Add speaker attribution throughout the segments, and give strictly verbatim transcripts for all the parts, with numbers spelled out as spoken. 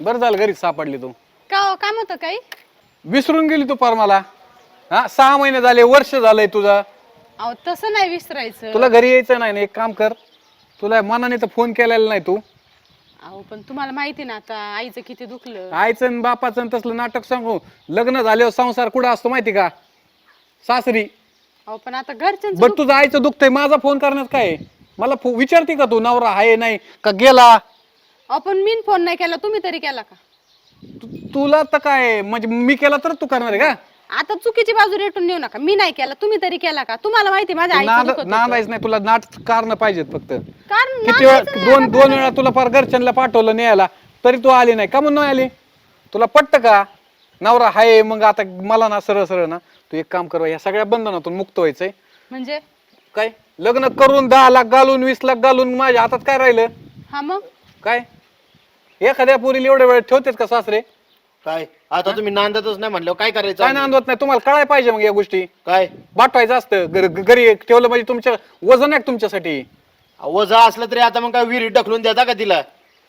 Speaker 1: बरं झालं घरीच सापडली तू.
Speaker 2: का हो, काम होतं काही?
Speaker 1: विसरून गेली तू पार मला. हा सहा महिने झाले, वर्ष झालंय तुझं.
Speaker 2: अहो तसं नाही विसरायचं.
Speaker 1: तुला घरी यायचं नाही ना, एक काम कर, तुला मनाने तर फोन केलेला नाही तू.
Speaker 2: अहो पण तुम्हाला माहिती ना आता आईचं किती दुखलं.
Speaker 1: आईचं आणि बापाचं आणि तसलं नाटक सांगू. लग्न झाल्यावर संसार कुठं असतो माहिती का? सासरी.
Speaker 2: अहो पण आता घरच्यांचं
Speaker 1: बरं
Speaker 2: दुख-
Speaker 1: तुझं आईचं दुखतंय, माझा फोन करण्यात काय आहे? मला फो- विचारते का तू नवरा आहे नाही का गेला?
Speaker 2: अहो पण मी फोन नाही केला, तुम्ही तरी केला का?
Speaker 1: तु- तुला तर काय म्हणजे मी केला तर तू करणार आहे का?
Speaker 2: आता चुकीची बाजू रेटून नेऊ नका. मी नाही केला, तुम्ही तरी केला का? तुम्हाला माहिती माझ्या आईचं
Speaker 1: नाद
Speaker 2: दुखत होतं.
Speaker 1: नादायच नाही तुला, नाट कारण पाहिजेत फक्त.
Speaker 2: कारण
Speaker 1: किती वेळा
Speaker 2: नादायचं नाही,
Speaker 1: दोन
Speaker 2: आता
Speaker 1: दोन वेळा तुला फार घरच्यांना पाठवलं न्यायला तरी तू आली नाही का? म्हणून नाही आली. तुला पटतं का? नवरा हाय मग आता मला ना सरळ सरळ ना तू एक काम कर, या सगळ्या बंधनातून मुक्त व्हायचंय.
Speaker 2: म्हणजे
Speaker 1: काय लग्न करून दहा लाख घालून वीस लाख घालून माझ्या हातात काय राहिलं?
Speaker 2: हा मग
Speaker 1: काय एखाद्या पोरीला एवढ्या वेळ ठेवतेच का सासरे?
Speaker 3: काय आता तुम्ही नांदतच नाही म्हणलं काय करायचं?
Speaker 1: काय नांदवत नाही तुम्हाला कळाय पाहिजे मग या गोष्टी.
Speaker 3: काय
Speaker 1: पाठवायचं असतं घर- घरी ठेवलं म्हणजे तुमच्या वजन आहे तुमच्यासाठी.
Speaker 3: वजा असलं तरी आता मग काय विहिरी ढकलून देता का तिला?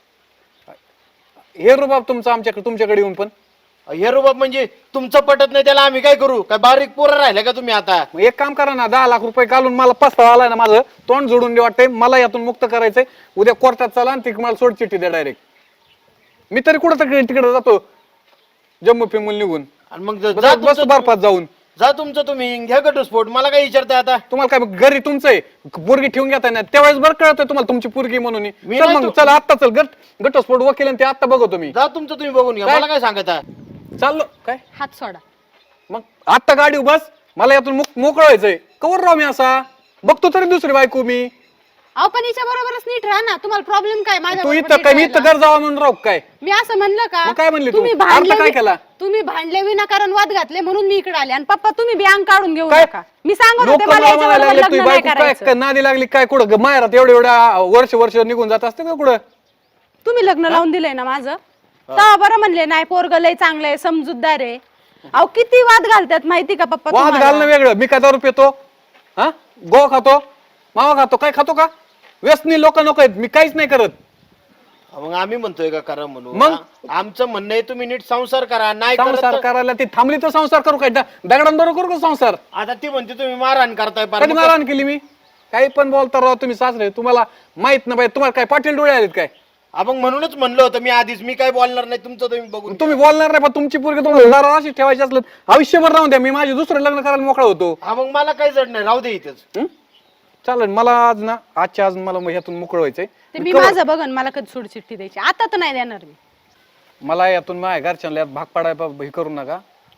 Speaker 1: हे रुबाब तुमचं आमच्याकडे तुमच्याकडे येऊन पण.
Speaker 3: हे रुबाब म्हणजे तुमचं पटत नाही त्याला आम्ही काय करू? काय बारीक पोरं राहिले का तुम्ही आता?
Speaker 1: मग एक काम करा ना, दहा लाख रुपये घालून मला पस्तावा आलाय ना, माझं तोंड जोडून दे वाटतंय मला, यातून मुक्त करायचंय. उद्या कोर्टात चला आणि ती मला सोड चिठ्ठी द्या डायरेक्ट. मी तरी कुठं तरी तिकडे जातो जम्मू फिमून निघून.
Speaker 3: आणि मग जा
Speaker 1: बस
Speaker 3: तुमचं
Speaker 1: बर्फात जाऊन.
Speaker 3: जा तुमचं तुम्ही घ्या घटस्फोट. मला काय विचारताय आता?
Speaker 1: तुम्हाला काय घरी तुमचं आहे पोरगी ठेवून घेताय ना, त्यावेळेस बरं कळतंय तुम्हाला तुमची पोरगी म्हणून.
Speaker 3: मी
Speaker 1: चल
Speaker 3: नाही
Speaker 1: मग
Speaker 3: तो-
Speaker 1: चला आत्ता चल गट घटस्फोट वकील आणि ते आत्ता बघतो मी.
Speaker 3: जा तुमचं तुम्ही बघून घ्या.
Speaker 1: काय?
Speaker 3: मला काय सांगता?
Speaker 1: चाललो काय
Speaker 2: हात सोडा.
Speaker 1: मग आत्ता गाडी बस, मला यातून मोक- मोकळं व्हायचंय. कवर राव मी असा बघतो तरी दुसरी बायको मी.
Speaker 2: अहो पण हिच्या बरोबरच नीट राहा ना. तुम्हाला प्रॉब्लेम काय माझ्या
Speaker 1: तू
Speaker 2: बरोबर
Speaker 1: इथं
Speaker 2: नीट
Speaker 1: काय मी
Speaker 2: राहायला?
Speaker 1: इथं घर जावा म्हणून राहू काय?
Speaker 2: मी असं म्हणलं का?
Speaker 1: मग काय म्हणली तू?
Speaker 2: तुम्ही
Speaker 1: अर्थ
Speaker 2: भांडले
Speaker 1: काय
Speaker 2: वि-
Speaker 1: केला?
Speaker 2: तुम्ही भांडले विनाकारण वाद घातले म्हणून मी इकडे आले. आणि पप्पा तुम्ही बी अंग काढून घेऊ
Speaker 1: काय?
Speaker 2: नका. मी सांगत
Speaker 1: लोक
Speaker 2: होते मला
Speaker 1: मला
Speaker 2: याच्याबरोबर
Speaker 1: म्हणायला लागले तुझी
Speaker 2: लग्न नाही
Speaker 1: बायको काय
Speaker 2: करायचं.
Speaker 1: काय नादी लागली काय? कुठं माहेरात एवढ्या एवढ्या वर्ष वर्ष निघून जात असते का कुठं?
Speaker 2: तुम्ही लग्न लावून दिलंय ना माझं, तेव्हा बरं म्हणले नाही पोरग लय चांगलं आहे, समजूतदार आहे. अहो किती वाद घालतात माहिती का पप्पा
Speaker 1: वाद
Speaker 2: तुम्हाला?
Speaker 1: घालणं वेगळं. मी काय दारू पितो? हा गो खातो, मावा खातो, काय खातो का? व्यसनी लोक नको आहेत. मी काहीच नाही करत.
Speaker 3: मग आम्ही म्हणतोय का करा म्हणून?
Speaker 1: मग?
Speaker 3: आ- आमचं म्हणणं आहे तुम्ही नीट संसार करा. नाही करत
Speaker 1: संसार
Speaker 3: तर-
Speaker 1: करायला ती थांबली तर संसार करू काय? द- दगडांबरोबर करू का संसार?
Speaker 3: आता ती म्हणते तुम्ही मारहाण करताय पार.
Speaker 1: कधी
Speaker 3: मग
Speaker 1: मारहाण केली मी? काही पण बोलता राव तुम्ही सासरे. तुम्हाला माहित नाही पाहिजे. तुम्हाला काय पाटील डोळे आलेत काय?
Speaker 3: आ, मग म्हणूनच म्हणलं होतं मी आधीच मी काय बोलणार नाही. तुमचं तुम्ही बघून
Speaker 1: तुम्ही बोलणार नाही पण तुमची पोरगी तुम्हाला दारावर अशी ठेवायची असलं आयुष्यभर राहून द्या. मी माझे दुसरं लग्न करायला मोकळा होतो.
Speaker 3: हा मग मला काही जड नाही. राहू दे इथेच.
Speaker 1: हं? चालेल. मला आज ना आजच्या आज मला ह्यातून मोकळं व्हायचंय.
Speaker 2: ते मी माझं बघन, मला कधी सोड चिठ्ठी द्यायची आता तर नाही देणार मी.
Speaker 1: मला यातून माझ्या घरच्यांना यात भाग पाडायला हे करू नका.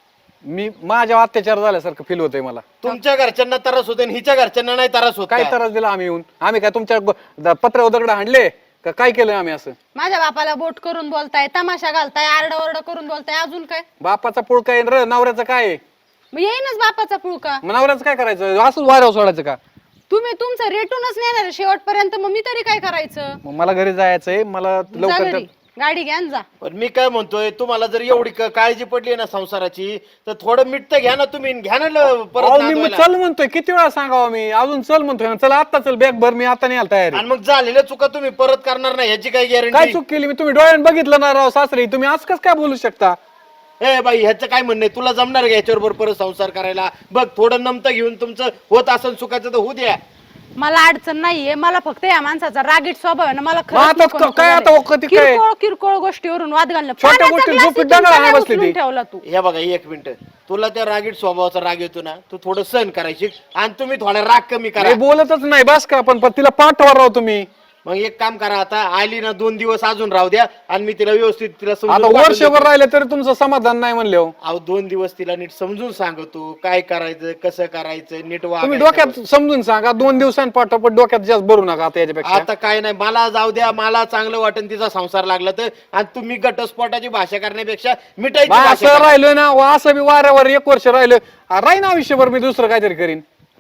Speaker 1: मी माझ्या अत्याचार झाल्यासारखं फील होतंय मला.
Speaker 3: तुमच्या घरच्यांना त्रास होते आणि हिच्या घरच्यांना नाही त्रास होत
Speaker 1: काय
Speaker 3: काय?
Speaker 1: त्रास दिला आम्ही येऊन? आम्ही काय तुमच्या पत्र दगड हाणले का? काय केलं आम्ही असं?
Speaker 2: माझ्या बापाला बोट करून बोलताय, तमाशा घालताय, आरडाओरडा करून बोलताय, अजून काय?
Speaker 1: बापाचा पुळका आहे र, नवऱ्याचं काय आहे?
Speaker 2: मग येईनच बापाचा पुळका.
Speaker 1: मग नवऱ्याचं काय करायचं? असंच वाऱ्यावर सोडायचं का?
Speaker 2: तुम्ही तुमचं रेटूनच नेणार शेवटपर्यंत, मग मी तरी काय करायचं?
Speaker 1: मग मला घरी जायचंय. मला
Speaker 2: जा
Speaker 1: लवकर
Speaker 2: घरी, गाडी घ्या आणि जा.
Speaker 3: पण मी काय म्हणतोय तुम्हाला जर एवढी क- काळजी पडली ना संसाराची तर थोडं मीठ तर घ्या ना तुम्ही. घ्या ना ल- परत
Speaker 1: अहो, मी मग
Speaker 3: नांदवायला.
Speaker 1: चल म्हणतोय. किती वेळा सांगावं मी? अजून चल म्हणतोय ना. चला आता चल, बॅग भर. मी आता नाही आला तयारी.
Speaker 3: आणि मग झालेल्या चुका तुम्ही परत करणार नाही याची काय
Speaker 1: काय
Speaker 3: गॅरंटी?
Speaker 1: चूक केली मी? तुम्ही डोळ्यानं बघितलं ना राव सासरे. तुम्ही आज कस काय बोलू शकता?
Speaker 3: ए बाई ह्याचं काय म्हणणं आहे? तुला जमणार का याच्यावर परत संसार करायला? बघ थोडं नमतं घेऊन तुमचं होत असेल चुकाचं तर होऊ द्या.
Speaker 2: मला अडचण नाहीये. मला फक्त या माणसाचा रागीट स्वभाव आहे ना, मला
Speaker 1: मग
Speaker 2: खरंच
Speaker 1: आता
Speaker 2: नको नको
Speaker 1: काय
Speaker 2: झालंय.
Speaker 1: आता वखती काय?
Speaker 2: किरकोळ किरकोळ गोष्टीवरून वाद घालणं.
Speaker 1: छोट्या
Speaker 2: पाण्याचा
Speaker 1: गोष्टीत
Speaker 2: glass
Speaker 1: झोपेत
Speaker 2: इथून
Speaker 1: दगडाला
Speaker 2: खाली
Speaker 1: बसली
Speaker 2: उचलून
Speaker 1: ती.
Speaker 2: ठेवला तू.
Speaker 3: हे बघा एक मिनिट. तुला त्या रागीट स्वभावाचा राग येतो ना, तू थोडं सहन करायची आणि तुम्ही थोडा राग कमी करा.
Speaker 1: मी बोलतच नाही बस का? पण पण तिला पाठवा राव तुम्ही.
Speaker 3: मग एक काम करा, आता आली ना दोन दिवस अजून राहू द्या आणि मी तिला व्यवस्थित तिला समजून
Speaker 1: आता
Speaker 3: पाठवून
Speaker 1: वर्षभर
Speaker 3: देतो.
Speaker 1: राहिले तरी तुमचं समाधान नाही म्हणले हो.
Speaker 3: अहो दोन दिवस तिला नीट समजून सांगतो काय करायचं कसं करायचं नीट
Speaker 1: तुम्ही
Speaker 3: वागायचं.
Speaker 1: डोक्यात समजून सांगा. दोन दिवसांनी पाठवा पण डोक्यात जास्त भरू नका आता याच्यापेक्षा.
Speaker 3: आता काय नाही, मला जाऊ द्या. मला चांगलं वाटेल तिचा संसार लागला तर. आणि तुम्ही घटस्फोटाची भाषा करण्यापेक्षा मिठाईची
Speaker 1: बा,
Speaker 3: भाषा
Speaker 1: असं
Speaker 3: करा.
Speaker 1: राहिलोय ना असं बी वाऱ्यावर एक वर्ष राहिलं राहीन आयुष्यभर. मी दुसरं काहीतरी करीन.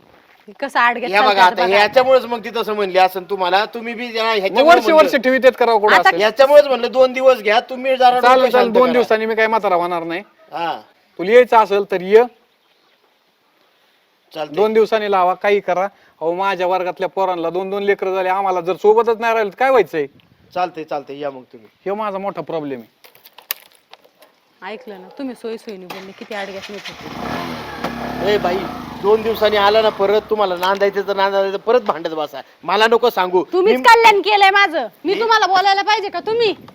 Speaker 2: कसं आड घेत
Speaker 3: या बघा
Speaker 2: चालतात
Speaker 3: आता
Speaker 2: बघा.
Speaker 3: ह्याच्यामुळेच मग ती तसं म्हणली असं तुम्हाला. तुम्ही बी जरा
Speaker 1: मग
Speaker 3: ह्याच्यामुळे
Speaker 1: वर्ष वर्ष ठेवीत येत करावं कुठं
Speaker 2: आता
Speaker 1: असेल.
Speaker 3: ह्याच्यामुळेच म्हणलं दोन दिवस घ्या तुम्ही जरा
Speaker 1: चालेल
Speaker 3: डोकं
Speaker 1: चालेल.
Speaker 3: शांत
Speaker 1: दोन
Speaker 3: करा.
Speaker 1: दिवसांनी मी काय म्हातारा होणार नाही.
Speaker 3: हा
Speaker 1: तुला यायचं असेल तर ये.
Speaker 3: चालतंय.
Speaker 1: दोन दिवसांनी लावा. काही करा. अहो माझ्या वर्गातल्या पोरांना दोन दोन लेकरं झाले. आम्हाला जर सोबतच नाही राहिलं तर काय व्हायचंय?
Speaker 3: चालतंय चालतंय या मग तुम्ही.
Speaker 1: हे माझा मोठा प्रॉब्लेम आहे.
Speaker 2: ऐकलं ना तुम्ही सोयी सोयीने बोलले किती अडग्यात नेत होते.
Speaker 3: ए बाई दोन दिवसांनी आला ना परत तुम्हाला नांदायचं तर नांदायचं परत भांडत बसा. मला नको सांगू.
Speaker 2: तुम्हीच कल्याण केलंय माझं. मी तुम्हाला बोलायला पाहिजे का? तुम्ही